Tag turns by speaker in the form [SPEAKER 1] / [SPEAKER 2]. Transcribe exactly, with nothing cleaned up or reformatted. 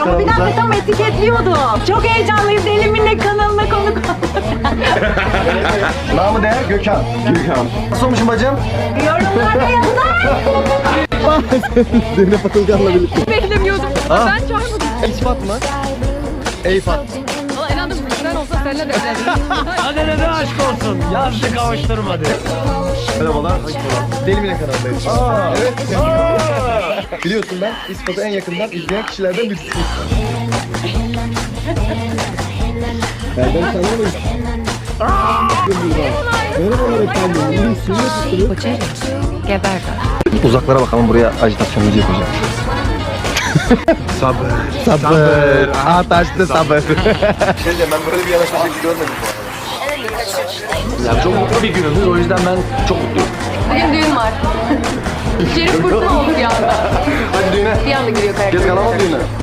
[SPEAKER 1] Ama bir dakika tam etiketliyordum. Çok heyecanlıyız. Eliminle kanalına konuk olduk.
[SPEAKER 2] Namı değer Gökhan. Gökhan. Nasıl olmuşum bacım?
[SPEAKER 1] Yorumlarda yazar.
[SPEAKER 2] Zeynep Atılgan'la birlikte.
[SPEAKER 3] Beklemiyordum.
[SPEAKER 2] Aa.
[SPEAKER 3] Ben çağırmadım.
[SPEAKER 2] Eyfat mı? Eyfat.
[SPEAKER 3] Valla inandım. Sen olsa seninle de evlendim.
[SPEAKER 4] Hadi ne de aşk olsun. Yazdı kavuşturmadı.
[SPEAKER 2] Merhabalar. Deli Mine kanalındayız. Aa, evet. Biliyorsun ben İspat'ı en yakından izleyen kişilerden birisiyim. Benden tanıyamayız. Merhabalar efendim. İyi sinir tuttunuz.
[SPEAKER 3] Geber.
[SPEAKER 2] Uzaklara bakalım, buraya ajitasyon müziği yapacağım. sabır. Sabır. Aa taştı sabır. Şey diyeceğim, ben böyle bir yanaşma şekli görmedim bu arada.
[SPEAKER 4] Ya çok mutlu bir günümüz. O yüzden ben çok mutluyum.
[SPEAKER 3] Benim düğün var. Şerif fırtına oldu bir anda.
[SPEAKER 2] Hadi düğüne.
[SPEAKER 3] Bir anda giriyor kayak.
[SPEAKER 2] Gez kalamam düğüne.